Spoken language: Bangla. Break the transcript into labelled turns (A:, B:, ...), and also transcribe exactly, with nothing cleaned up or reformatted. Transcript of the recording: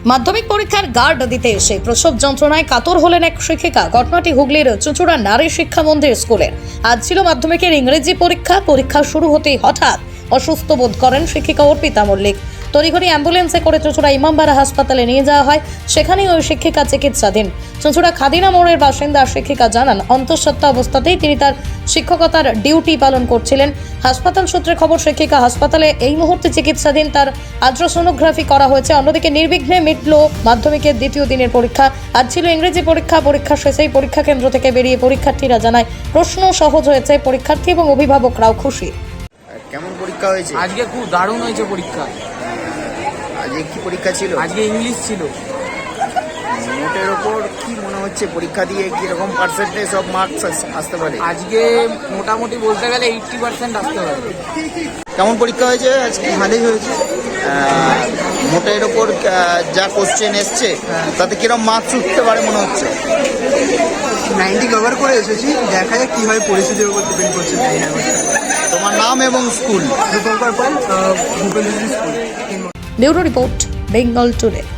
A: মাধ্যমিক পরীক্ষার গার্ড দিতে এসে প্রসব যন্ত্রণায় কাতর হলেন এক শিক্ষিকা। ঘটনাটি হুগলির চুঁচুড়া নারী শিক্ষা মন্দির স্কুলের। আজ ছিল মাধ্যমিকের ইংরেজি পরীক্ষা। পরীক্ষা শুরু হতেই হঠাৎ অসুস্থ বোধ করেন শিক্ষিকা অর্পিতা মল্লিক। তড়িঘড়ি অ্যাম্বুলেন্সে করে চুঁচুড়া ইমামবাড়া হাসপাতালে নিয়ে যাওয়া হয়। সেখানেই ওই শিক্ষিকা চিকিৎসাধীন। চুঁচুড়া খাদিনা মোড়ের বাসিন্দা শিক্ষিকা জানান, অন্তঃসত্ত্বা অবস্থাতেই তিনি তার শিক্ষকতার ডিউটি পালন করছিলেন। হাসপাতাল সূত্রে খবর, শিক্ষিকা হাসপাতালে এই মুহূর্তে চিকিৎসাধীন। তার আল্ট্রাসোনোগ্রাফি করা হয়েছে। অন্যদিকে নির্বিঘ্নে মিটল মাধ্যমিকের দ্বিতীয় দিনের পরীক্ষা। আজ ছিল ইংরেজি পরীক্ষা। পরীক্ষা শেষেই পরীক্ষা কেন্দ্র থেকে বেরিয়ে পরীক্ষার্থীরা জানায় প্রশ্ন সহজ হয়েছে। পরীক্ষার্থী এবং অভিভাবকরাও খুশি।
B: কেমন পরীক্ষা হয়েছে?
C: আজকে খুব দারুণ হয়েছে পরীক্ষা।
B: আজকে কি পরীক্ষা ছিল?
C: আজকে ইংলিশ ছিল।
B: নোটের ওপর কি মনে হচ্ছে পরীক্ষা দিয়ে কিরকম পার্সেন্টেজ অফ মার্কস আসতে পারে?
C: আজকে মোটামুটি বলতে গেলে এইটটি পার্সেন্ট আসতে পারে।
B: কেমন পরীক্ষা হয়েছে আজকে?
C: ভালোই হয়েছে।
B: নোটের ওপর যা কোশ্চেন এসছে তাতে কিরকম মার্কস উঠতে পারে মনে হচ্ছে?
D: নাইনটি কভার করে এসেছি, দেখা যাক কি হয়, পরিস্থিতির উপর ডিপেন্ড করছে।
B: তোমার নাম এবং school?
D: Bhupendra school.
A: Bureau report, Bengal today.